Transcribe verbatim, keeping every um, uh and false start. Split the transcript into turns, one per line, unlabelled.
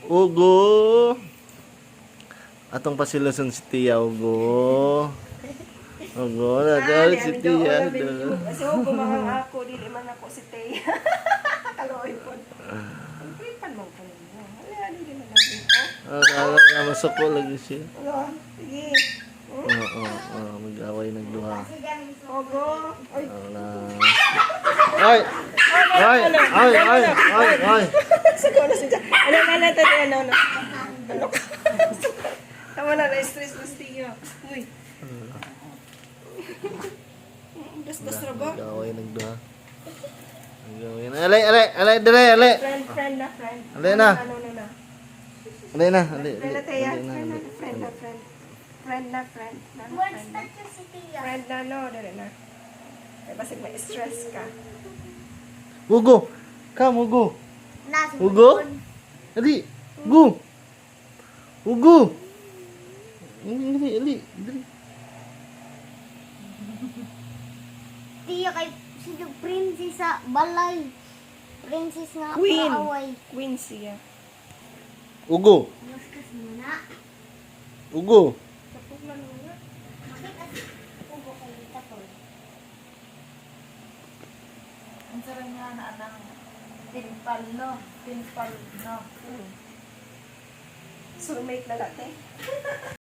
Ugo. Atong pasiluson si Tia Ugo. Ugo na daw si Tia.
Kasi Ugo mga ako, dili man ako si Tia. Kaloy po. Ang kripan mo po ninyo. Wala, dili man ako dito.
Ah, na masako lagi siya.
Wala, sige.
Oo, oo, oo, mag-away nagduha.
Ugo. Ay,
Wala. Ay! Ay! Ay! Ay! Ay! Ay!
siguro na siya. Ano na natin, ano, ano. Ano ka? Tama na, na-stress na si Tia. Uy. Das-das na ba?
Mag-away nagduha. Mag-away na. Alay! Alay! Alay! Dali! Alay!
Friend, friend na, friend.
Alay na.
Ano, ano na.
Alay na! Alay!
Friend na, Tia.
Alay na!
Friend na,
Alay.
friend na, friend. Friend na, friend. Na,
What's
friend na.
that yung si Tia?
Friend na, no, dali na. Kaya basig may stress ka.
Ugo! Come, Ugo!
Nasa
Ugo?
balkon.
Ali! Ugo! Ugo! Ali! Ali! Ali! Ali!
Tia kay si princess sa balay. Princess nga
Queen.
kaaway.
Queen siya.
Ugo!
Muskas mo na.
Ugo!
Kapag man mo na.
Makita ugo kay Tatol.
Ang sarang nga na anang timpal, no? Timpal, no?
Soulmate na latte.